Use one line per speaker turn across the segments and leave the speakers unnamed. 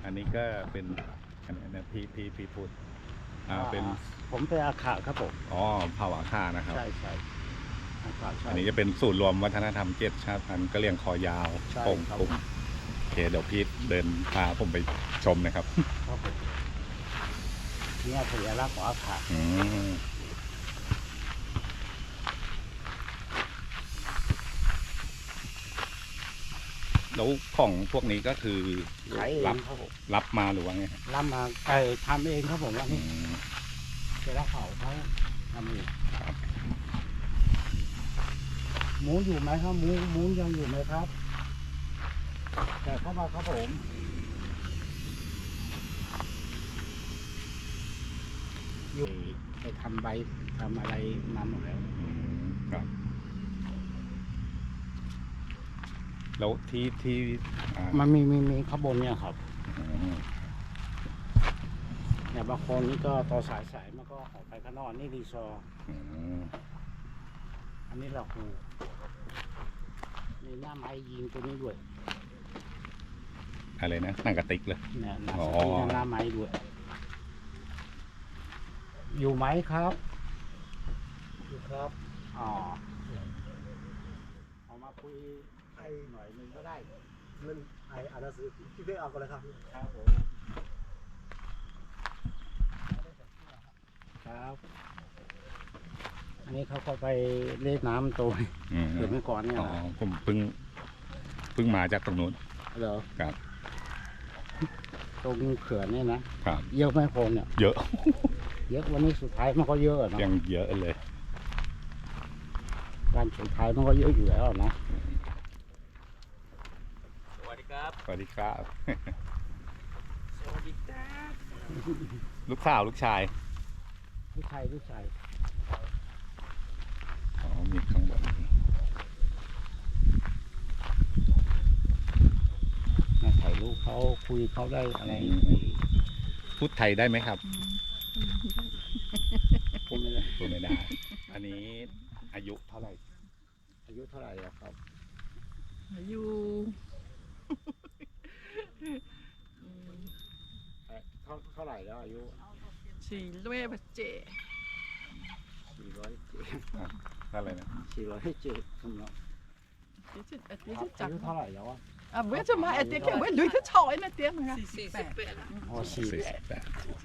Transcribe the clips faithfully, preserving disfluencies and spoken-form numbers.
อันนี้ก็เป็นอันนี้นะพี่พี่พี่พูดอ่าเป็น
ผมเป็นอาขาครับผม
อ๋อเผ่าอาคานะครับ
ใช่ใช่อาขาใช่
อันนี้จะเป็นศูนย์รวมวัฒนธรรมเจ็ดชาติพันธุ์กะเหรี่ยงคอยาว
ใช่
โป่ง
ครับ
ปุกโอเคเดี๋ยวพี่เดินพาผมไปชมนะครับ
ครับผมเนี่ยสัญลักษณ์ของอาขา
อืมแล้วของพวกนี้ก็คือ
ขายเอ
รับ
งครับผม
รับมาหรือว่าไงครับ
รับมาไอ้ทำเองครับผมว่า
อื
นี่
ม
เสร็จแล้วเขาเขาทำเอง
ครับ
หมูอยู่ไหมครับหมูหมูยังอยู่ไหมครับ แต่เข้ามาครับผมอยู่ไปทำใบทำอะไรมาหมดแล้ว
อืมครับ แล้วที่ที่อ่า
มันมีมีมีข้างบนเนี่ยครับ
อืม
เนี่ยบางคนนี่ก็ต่อสายสายมันก็ออกไปข้างนอกนี่รีซอร์
อืม
อันนี้เราคูมีหน้าไม้ยิงตัวนี้ด้วย
อะไรนะหนังกระติกเลย
เนี่ยหน้า
อ๋
ส
อ
ตีหน้าไม้ด้วย อยู่ไหมครับ
อยู่ครับ
อ๋อเอามาคุยให้หน่อยหนึงก็ได้
มันไออ่านหนังสือพี่เพ่เอากันเลยครับ
ครับผมครับ อันนี้เขาก็ไปเล่นน้ำตัว
อืม
เกิดเมื่อก่อนเนี่ย
อ๋อ
นะ
ผมเพิ่งเพิ่งมาจากตรงนู้น
เหรอ
ครับ
ตรงเขื่อนเนี่ยนะครับ เยอะไหมคนเนี่ย
เยอะ
เยอะวันนี้สุดท้ายมันก็เยอะอะเนาะ
ยังเยอะเลย
วันสุดท้ายมันก็เยอะอยู่แล้วอะนะ
สวัสดีครับ
สวัสดีครับ
สวัสดีครับ
ลูกสาวลูกชาย
ลูกชายลูกชาย
อ๋อ มีข้างบน
มาถ่ายรูปเขาคุยเขาได้อะไร
พูดไทยได้ไหมครับ
พูดไม่ได้
พูดไม่ได้ อันนี้อายุเท่าไหร่
อายุเท่าไหร่อะครับ
อายุ
เอ่อเท่าเท่าไหร่แล้วอายุ
สี่ร้อยเจ็ด
สี่ร้อยเจ็ด
อะไรนะ
สี่ร้อยเจ็ดสำหรับ
ที่จะที่
อา
จะจับ
ยุเท่าไหร่แล้วอะ
อ่ะเว้ยจะมาไอ้เตี้ยแกเว้ยลุยที่ชอยนะเตี้ยมึงอ่ะสี่สิบแปด
อ๋อสี่
สี่
แป
สิ
ด
บแปด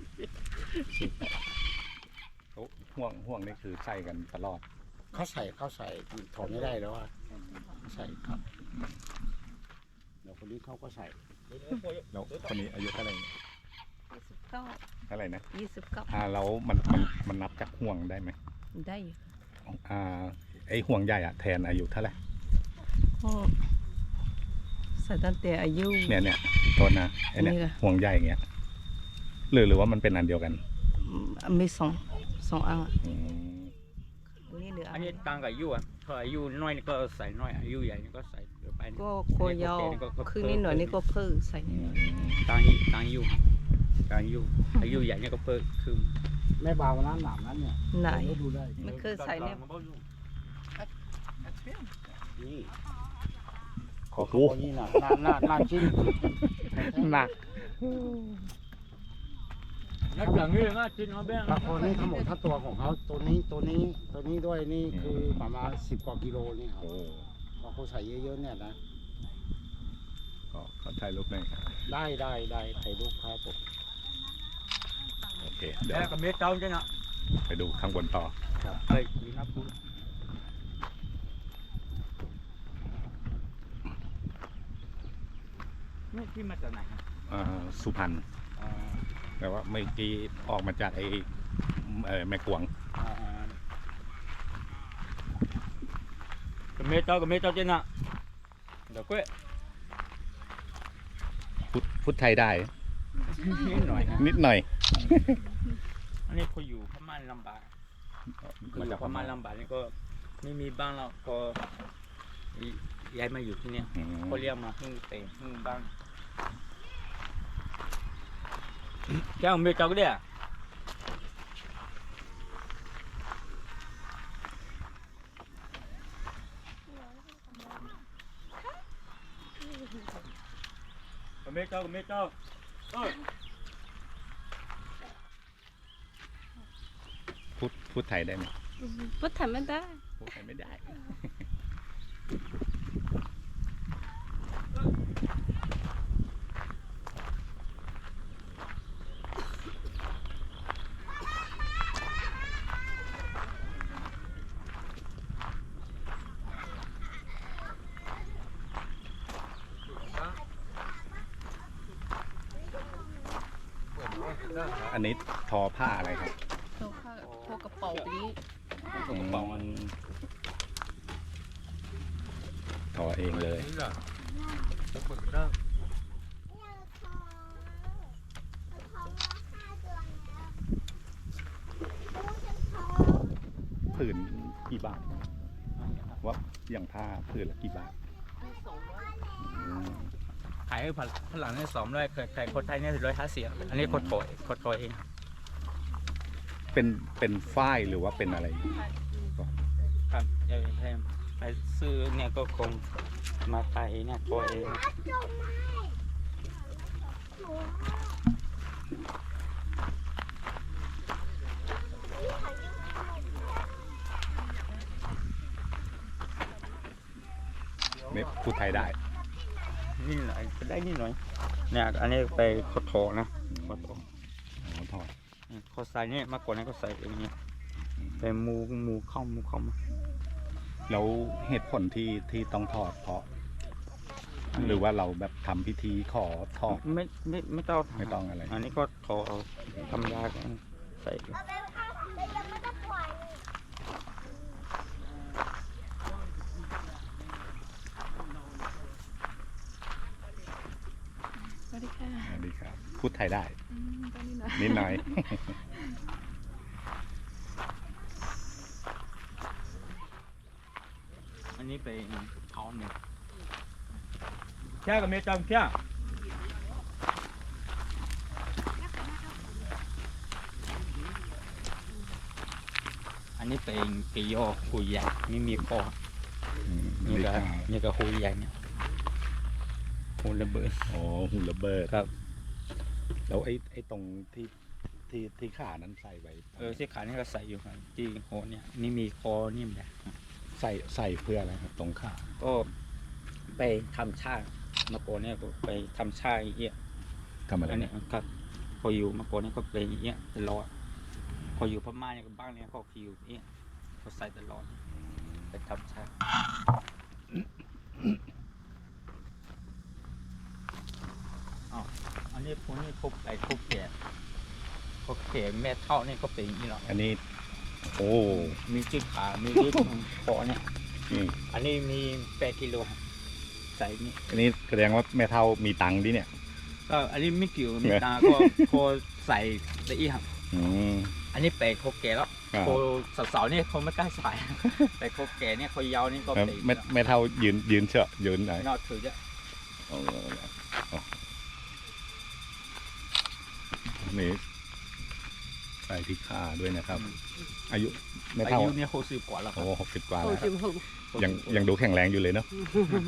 โอ้ห่วงห่วงนี่คือใส่กันตลอด
เขาใส่เขาใส่ถอดไม่ได้แล้วอะใส่ครับเดี๋ยวคนนี้เขาก็ใส่
แล้วคนนี้อายุเท่าไหร่
ยี่สิบเก้า
เท่าไหร่นะ
ยี่สิบเก้า
อ่าแล้วมันมันมันนับจากห่วงได้ไหม
ได้อยู่
อ่า ไอห่วงใหญ่อะแทนอายุเท่าไหร่
ก็ใส่ตั้งแต่อายุ
เนี่ยเนี่ยต้นนะไอเนี่ย
นี่เหรอ
ห่วงใหญ่อย่างเงี้ยหรือหรือว่ามันเป็นอันเดียวกัน
มีสองสองอัน
อืม
อันนี้เหลือ
อั
อั
น
น
นี้ต่างกับอายุอ่ะถ้าอายุน้อยนี่ก็ใส่น้อยอายุใหญ่นี่ก็ใส่เดี๋ยวไปนี่
ก็โคยาวคือนิดหน่อยนี่ก็เพิ่มใส่
อืม
ต่างอายุต่างอายุต่างอายุอายุใหญ่นี่ก็เพิ่มคือ
ไม่เบานะหนามนั้นเนี่ย
ไหน
เดี๋ยวดูได้
ไม่เคยใส่เนี่ย
นี่
โอ้โห
ตัวนี้นะหน้าหน้าหน้าจิ้ม
หนัก
นักหลังนี่นะจินเอาแบง
บางคนนี่ทั้งหมดทั้งตัวของเขาตัวนี้ตัวนี้ตัวนี้ด้วยนี่คือประมาณสิบกว่ากิโลนี่ครับ
โอ้
พอเขาใส่เยอะๆเนี่ยนะ
ก็ขอถ่ายรูปหน่อยครับ
ได้ได้ได้ถ่ายรูปครับผม
โอเค เดี๋ยว
แล้วก็เม็ดเต้าใช่ไหม
ไปดูข้างบนต่อ
เฮ้ยดีนะคุณนี่ที่มาจากไหนครับ
อ่าสุพรรณ
อ่า
แต่ว่าเมื่อกี้ออกมาจากไอ้เอ่อแม่กวง
อ่า
ก็เม็ดเต้าก็เม็ดเต้าใช่ไหมเดี๋ยวก็
พูดพูดไทยได้
นิดหน่อยนะ
นิดหน่อย
อันนี้เขาอยู่พม่าลำบากมาจากพม่าลำบากนี่ก็ไม่มีบ้านแล้วก็ย้ายมาอยู่ที่เนี่ย
อืม
เขาเรียกมาหึ่งเต็งหึ่งบ้างแก้วเมียเจ้าก็ได้เมียเจ้าเมียเจ้า
พูดพูดไทยได้ไหม
พูดไทยไม่ได้
พูดไทยไม่ได้ อันนี้ทอผ้าอะไรครับ
เราผ้าพอกระเป๋าไปนี้
กระเป๋ามันทอเองเลย ผืนกี่บาท ว่าอย่างผ้าผืนละกี่บาทอืม
ขายผัดฝรั่งเนี่ยสองร้อยขายคนไทยเนี่ยร้อยห้าสิบอันนี้คนโถยคนโถยเอง
เป็นเป็นฝ้ายหรือว่าเป็นอะไร
ครับเดี๋ยวให้ไปซื้อเนี่ยก็คงมาไทยเนี่ยโถยเอง
ไม่พูดไทยได้
นี่หน่อยก็ได้นี่หน่อยเนี่ยอันนี้ไปโคโถนะโคโถ
อ๋อทอ
เขาใส่เนี่ยมากกว่านั้นก็ใส่อย่างเงี้ยไปมูมูเข้ามูเข้ามา
แล้วเหตุผลที่ที่ต้องทอดเพราะ หรือว่าเราแบบทำพิธีขอทอด
ไม่ไม่ไม่ต้อง
ไม่ต้องอะไร
อันนี้ก็โถเอาทำยากันใส่
สวัสดีค่ะ
สวัสดีครับ พูดไทยได้
อืมตอนนี้หน่อย
นิดหน่อย
อันนี้ไปเขาหนึ่งแค่กับเมียจำแค่อันนี้เป็นกิโยหูใหญ่ไม่มีคอ
อืม
นี่
ดี
ก็
ครับ
นี่ก็หูใหญ่เนี่ยหูระเบิด
อ๋อหุ่นระเบิด
ครับ
แล้วไอ้ไอ้ตรงที่ที่ที่ขานั้นใส่ไว้
เออที่ขานี่ก็ใส่อยู่ครับที่โหเนี่ยนี่มีคอนิ่มแหละ
ใส่ใส่เพื่ออะไรครับ ตรงขา
ก็ไปทำชามาโกอนเนี่ยก็ไปทำชาอย่างเงี้ย
ทำอะไร
อันนี้
เนี่ย
ครับพออยู่มาโกอนเนี่ยก็ไปอย่างเงี้ยตลอดพออยู่พม่าเนี่ยก็บ้างเนี่ยเขาคิวอย่างเงี้ยเขาใส่ตลอดไปทำชาอ๋ออันนี้พวกนี้เขาไปเขาแก่เขาแก่แม่เท่านี่ก็เป็นอย่างนี้หรอก
อันนี้ โอ้
มีจิ้ขา มีดิ้นคอเนี่ย
อืม
อันนี้มีแปดกิโลใส่นี่
อันนี้แสดงว่าแม่เท่ามีตังค์ดิเนี่ย
ก็อันนี้ไม่เกี่ยวมี
เนี่ย
ตาก็พอใส่ได้อีกครับ
อืม
อันนี้เป็ดเขาแก่แล้ว
อ่า
โคสาวๆเนี่ยเขาไม่กล้าใส่ เป็ดเขาแก่เนี่ยเขายาวนี่ก็
แล้ว
เป็ด
แม่แม่เท่ายืนยืนเฉอะยืนไหน
นอกถือจะ
เอาเอานี่ใส่ที่ขาด้วยนะครับ อายุแม่
อา
เท่า
ยุเนี่ยหกสิบกว่าแล้วครั
โอ้
บ
หกสิบกว่า
โอ้
แล้ว
จิมหง
ยังยังดูแข็งแรงอยู่เลยเนาะ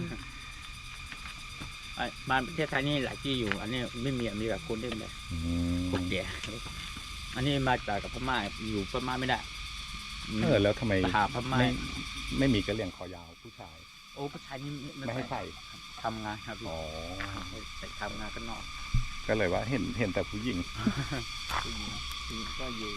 ไอ้บ้านประเทศไทยนี่หลายที่อยู่ อันนี้ไม่มีมีแบบคนเล่นแบบ
อืม
คนแก่อันนี้มาจากกับพม่าอยู่พม่าไม่ได้
เออแล้วทำไม
หาพม่า
ไม่ไม่มีกระเหลี่ยงคอยาวผู้ชาย
โอ้ผู้ชายนี่
ไม่ให้ใส่
ทำงานครับพี่
อ๋อ
ไปทำงานข้างนอก
ก็เลยว่าเห็นเห็นแต่ผู้หญิง
ผู้หญิงผู้หญิงก็อยู่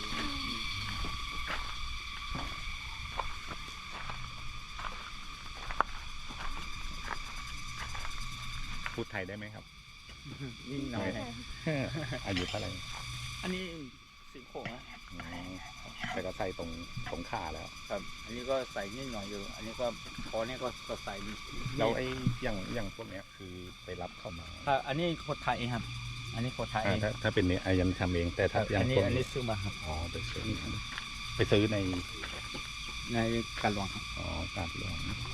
พูดไทยได้ไหมครับ
นี่หน่อย
อายุเท่าไหร่
อันนี้สิบหกนะ
อืมแต่ก็ใส่ตรงตรงขาแล้ว
ครับ อันนี้ก็ใส่นิดหน่อยอยู่ อันนี้ก็คอเนี่ยก็ก็ใส่นิด
แล้วไอ้อย่างอย่างพวกเนี้ยคือไปรับเข้ามา
ถ้าอันนี้คนไทยเองครับ อันนี้คนไทยเอ
อ่าง ถ้าถ้าเป็นเนี้ยอายันทำเองแต่ถ้าอย่า
อั
ง
นนี้
พวก
อันนี้
นี้
ซื้อมาครับ
อ๋อไปซื้อไปซื้อใน
ในการหลวงครับ
อ๋อการหลวง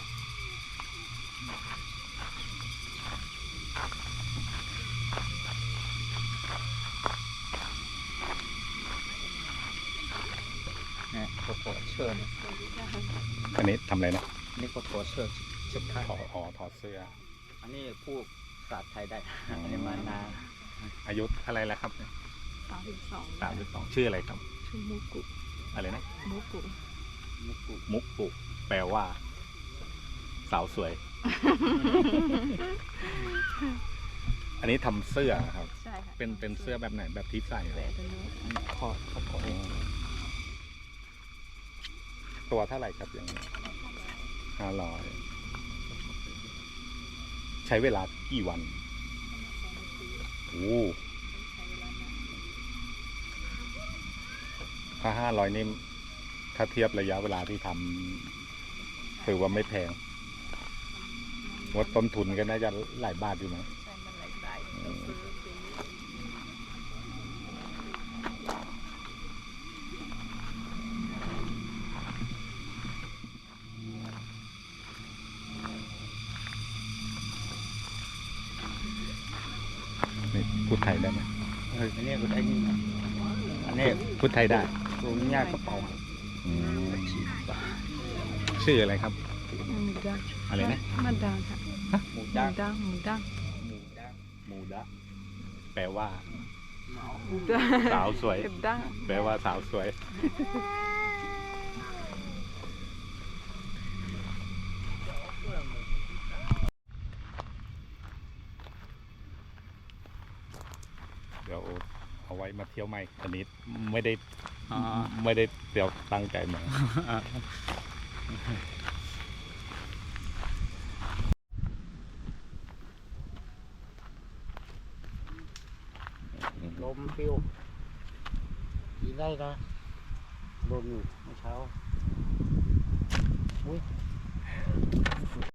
เนี่ยโคโถเชิญ
อันนี้ทำอะไรนะ
นี่โคโถเชิญชุดไทย
ถอดอ๋อถอดเสื้อ
อันนี้พูดภาษาไทยได้
อ๋ออั
อันนี้มานาน
อายุอะไรแล้วครับ
สามสิบสอง
สามสิบสองชื่ออะไรครับ
ชื่อมุกุ
อะไรนะ
มุกุ
มุกกุ
มุกปุแปลว่า สาวสวย อันนี้ทำเสื้อครับ
ใช่ค่ะ
เป็นเป็นเสื้อแบบไหนแบบที่ใส่เหรอ
เป็นเนื้อ
คอคอคอ
อ๋อตัวเท่าไหร่ครับอย่างนี้ห้าร้อยใช้เวลากี่วันโอ้ถ้าห้าร้อยนี่ถ้าเทียบระยะเวลาที่ทำถือว่าไม่แพงว่าต้นทุนก็น่าจะหลายบาทอยู่นะ
ใช่มันหลายสายต้องซื้อเป็น
นี่พูดไทยได้ไหม
เอออันนี้ก็ได้นี่อันนี้
พูดไทยได้
ตัวนี้กระเป๋า
อืมชื่ออะไรครับ
หมูดัง
อะไรนะ
มันดังค่ะ
หมู
หมู
ดัง
ดังหมูดัง
หมูดัง
มูดะแปลว่า
หมูดัง
สาวสวย
เก็บดัง
แปลว่าสาวสวย เดี๋ยวเอาไว้มาเที่ยวใหม่อันนี้ไม่ได้
อ๋อ
ไม่ได้เดี๋ยวตั้งใจมา
ลมฟิวกินได้นะลมอยู่เมื่อเช้าอุ้ย